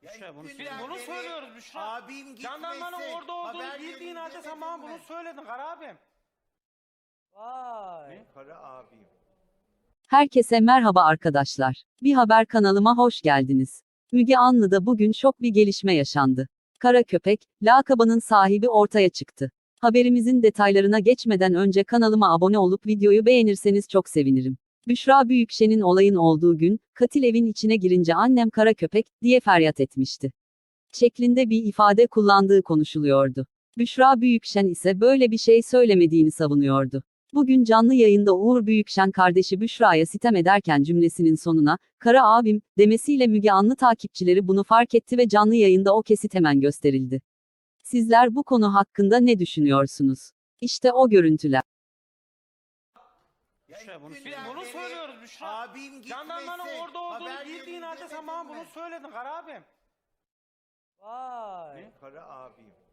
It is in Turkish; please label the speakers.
Speaker 1: Büşra bunu, biz
Speaker 2: Günden
Speaker 1: bunu
Speaker 2: beri
Speaker 1: söylüyoruz Büşra.
Speaker 2: abim gitmesi,
Speaker 1: Jandarmanın orada olduğunu
Speaker 2: haber
Speaker 1: bildiğin halde
Speaker 2: verildi
Speaker 1: sen bana
Speaker 2: demedin
Speaker 1: bunu
Speaker 2: mi?
Speaker 1: söyledin Kara abim.
Speaker 3: Vay.
Speaker 2: Kara abim.
Speaker 4: Herkese merhaba arkadaşlar. Bir haber kanalıma hoş geldiniz. Müge Anlı'da bugün şok bir gelişme yaşandı. Kara Köpek, lakabının sahibi ortaya çıktı. Haberimizin detaylarına geçmeden önce kanalıma abone olup videoyu beğenirseniz çok sevinirim. Büşra Büyükşen'in olayın olduğu gün, katil evin içine girince annem Kara Köpek, diye feryat etmişti. Şeklinde bir ifade kullandığı konuşuluyordu. Büşra Büyükşen ise böyle bir şey söylemediğini savunuyordu. Bugün canlı yayında Uğur Büyükşen kardeşi Büşra'ya sitem ederken cümlesinin sonuna, "Kara abim" demesiyle Müge Anlı takipçileri bunu fark etti ve canlı yayında o kesit hemen gösterildi. Sizler bu konu hakkında ne düşünüyorsunuz? İşte o görüntüler.
Speaker 1: Büşra bunu, biz
Speaker 2: Günden
Speaker 1: bunu
Speaker 2: beri
Speaker 1: söylüyoruz Büşra.
Speaker 2: abim gitmesi,
Speaker 1: Jandarmanın orada olduğunu
Speaker 2: haber
Speaker 1: bildiğin
Speaker 2: verildi
Speaker 1: halde sen
Speaker 2: demedin
Speaker 1: bana
Speaker 2: mi?
Speaker 1: bunu söyledin Kara abim.
Speaker 3: Vay.
Speaker 2: Kara abim.